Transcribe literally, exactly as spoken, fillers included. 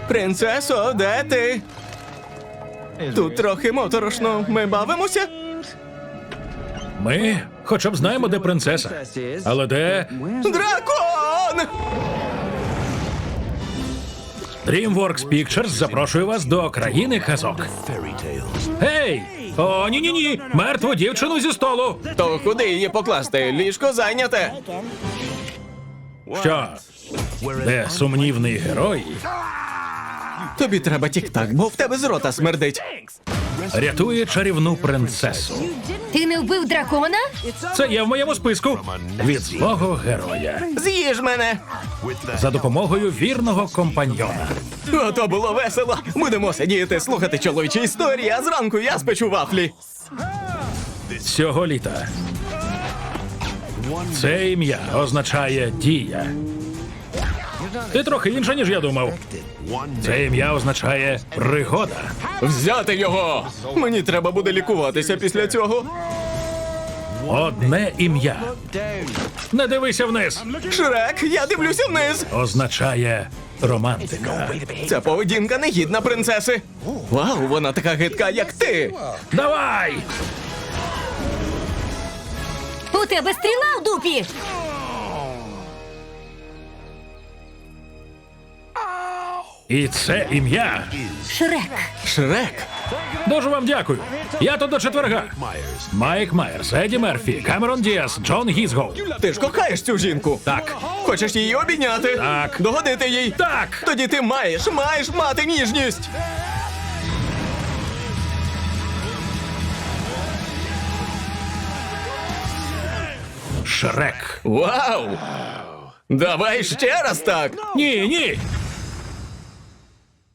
Принцесо, де ти? Тут трохи моторошно. Ми бавимося? Ми хоча б знаємо, де принцеса. Але де Дракон! DreamWorks Pictures запрошує вас до країни казок. Гей! О, ні-ні-ні! Мертву дівчину зі столу! То куди її покласти? Ліжко зайняте. Що? Де сумнівний герой Тобі треба тік-так, бо в тебе з рота смердить. рятує чарівну принцесу. Ти не вбив дракона? Це є в моєму списку. Від злого героя. З'їж мене! За допомогою вірного компаньйона. Ото було весело. Будемо сидіти, слухати чоловічі історії, а зранку я спечу вафлі. Цього літа. Це ім'я означає дія. Ти трохи інша, ніж я думав. Це ім'я означає пригода. Взяти його! Мені треба буде лікуватися після цього. Одне ім'я. Не дивися вниз. Шрек, я дивлюся вниз. Означає романтика. Ця поведінка не гідна принцеси. Вау, вона така гидка, як ти. Давай! У тебе стріла в дупі! І це ім'я. Шрек. Шрек? Дуже вам дякую. Я тут до четверга. Майк Майерс, Еді Мерфі, Камерон Діас, Джон Гізгоу. Ти ж кохаєш цю жінку? Так. Хочеш її обійняти? Так. Догодити їй? Так! Тоді ти маєш, маєш мати ніжність. Шрек. Вау! Давай ще раз так. Ні, ні.